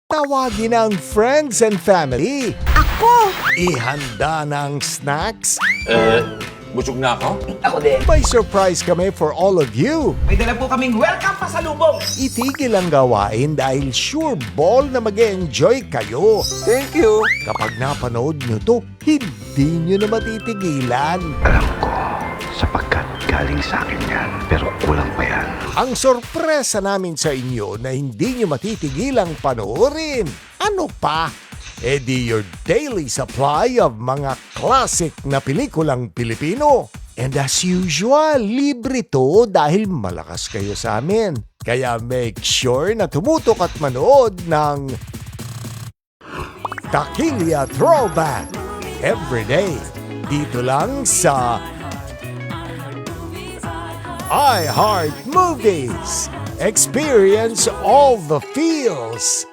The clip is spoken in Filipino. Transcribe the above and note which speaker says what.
Speaker 1: Tawagin ang friends and family.
Speaker 2: Ako!
Speaker 1: Ihanda ng snacks.
Speaker 3: Busog na ako?
Speaker 2: Ako din.
Speaker 1: May surprise kami for all of you.
Speaker 2: May dala po kaming welcome pasalubong.
Speaker 1: Itigil ang gawain dahil sure ball na mag-enjoy kayo.
Speaker 3: Thank you.
Speaker 1: Kapag napanood nyo to, hindi nyo na matitigilan.
Speaker 4: Alam ko, sapagkat galing sa akin yan, pero kulang pa yan.
Speaker 1: Ang sorpresa namin sa inyo na hindi nyo matitigilang panoorin. Ano pa? Di your daily supply of mga classic na pelikulang Pilipino. And as usual, libre to dahil malakas kayo sa amin. Kaya make sure na tumutok at manood ng Takilya Throwback every day. Dito lang sa iHeart Movies. Experience all the feels.